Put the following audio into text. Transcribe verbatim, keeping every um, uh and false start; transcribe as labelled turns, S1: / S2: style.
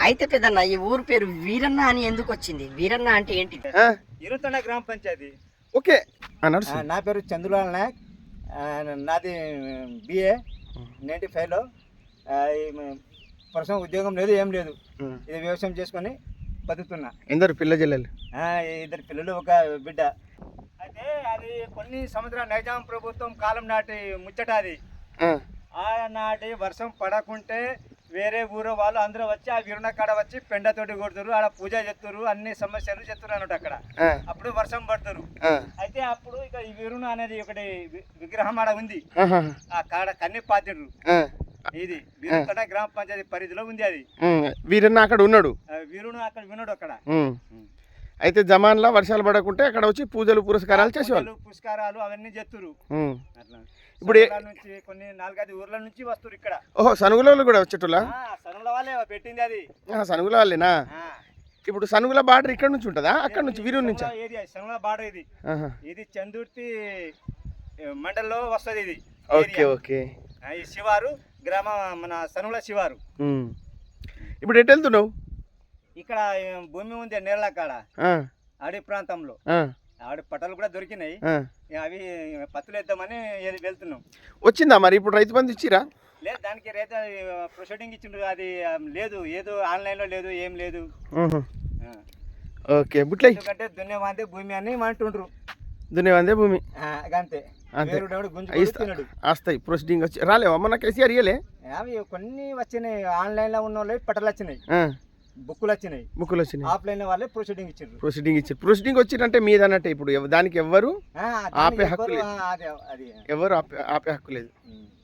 S1: అయితే పెద్దన్న ఈ ఊరు పేరు వీరన్న అని ఎందుకు వచ్చింది? వీరన్న అంటే ఏంటి?
S2: ఇరుతండ గ్రామ పంచాయతీ.
S3: ఓకే,
S2: నా పేరు చంద్రలాల్ నాయక్. నాది బిఏ నైంటీ ఫైవ్లో. ప్రస్తుతం ఉద్యోగం లేదు, ఏం లేదు. ఇది వ్యవసాయం చేసుకొని బతుకుతున్నా.
S3: ఎందరు పిల్ల జిల్లలు?
S2: ఇద్దరు పిల్లలు, ఒక బిడ్డ. అయితే అది కొన్ని సంవత్సరాలు నైజాం ప్రభుత్వం కాలం నాటి ముచ్చట. అది ఆనాటి వర్షం పడకుంటే వేరే ఊరు వాళ్ళు అందరూ వచ్చి ఆ వీరుణ కాడ వచ్చి పెండతోటి కొడుతురు, ఆడ పూజ చేస్తురు, అన్ని సమస్యలు చేస్తున్నారు అన్నట్టు అక్కడ. అప్పుడు వర్షం పడుతురు. అయితే అప్పుడు ఇక ఈ వీరుణ అనేది ఒకటి విగ్రహం ఆడ ఉంది, ఆ కాడ కన్ని పాతిరు. ఇది వీరుణ గ్రామ పంచాయతీ పరిధిలో ఉంది. అది
S3: వీరన్న అక్కడ ఉన్నాడు,
S2: వీరుడు అక్కడ విన్నాడు అక్కడ.
S3: అయితే జమాన్లా వర్షాలు పడకుంటే అక్కడ వచ్చి పూజలు పురస్కారాలు చేసేవాళ్ళు,
S2: పురస్కారాలు అవన్నీ చేస్తురు. అట్లా
S3: ఇప్పుడు
S2: నుంచి కొన్ని నాలుగైదు ఊర్ల నుంచి వస్తారు ఇక్కడ.
S3: ఓహో, సనుగుల వాళ్ళు కూడా వచ్చేటోళ్ళ?
S2: సనుగుల వాళ్ళే పెట్టింది అది.
S3: సనుగుల వాళ్ళేనా? ఇప్పుడు సనుగుల బార్డర్ ఇక్కడ నుంచి ఉంటుందా, అక్కడ నుంచి వీరూరు నుంచి?
S2: ఏరియా సనుగుల బార్డర్ ఇది. ఇది చందుర్తి మండలంలో వస్తుంది ఇది.
S3: Okay okay.
S2: ఈ శివారు గ్రామ, మన సనుగుల శివారు.
S3: ఇప్పుడు ఎటు వెళ్తున్నావు?
S2: ఇక్కడ భూమి ఉంది నేరళ కాడ, అడవి ప్రాంతంలో. ఆవిడ పట్టాలు కూడా దొరికినాయి, అవి పత్తులు వేద్దామని వెళ్తున్నాం.
S3: వచ్చిందా మరి ఇప్పుడు రైతు బంధు ఇచ్చిరా?
S2: లేదు, దానికి రైతు ప్రొసీడింగ్ ఇచ్చిండ్రు. అది లేదు, ఏదో ఆన్లైన్లో లేదు, ఏం లేదు.
S3: ఓకే, బుట్లే
S2: ఎందుకంటే దున్నేవాందే భూమి అని అంటుండ్రు.
S3: దున్నేవాందే భూమి
S2: అంతే.
S3: వస్తాయి ప్రొసీడింగ్ వచ్చి రాలేవా? మన కేసీఆర్ ఇయ్యలే?
S2: అవి కొన్ని వచ్చినాయి, ఆన్లైన్లో ఉన్న వాళ్ళు పట్టాలు వచ్చినాయి, బుక్కులు వచ్చినాయి,
S3: బుక్కులు వచ్చినాయి.
S2: ఆఫ్లైన్ వాళ్ళే ప్రొసీడింగ్ ఇచ్చారు.
S3: ప్రొసీడింగ్ ఇచ్చారు. ప్రొసీడింగ్ వచ్చిందంటే మీదన్నట్టే. ఇప్పుడు దానికి ఎవ్వరు ఆపే హక్కు లేదు, ఎవరు ఆపే ఆపే హక్కు లేదు.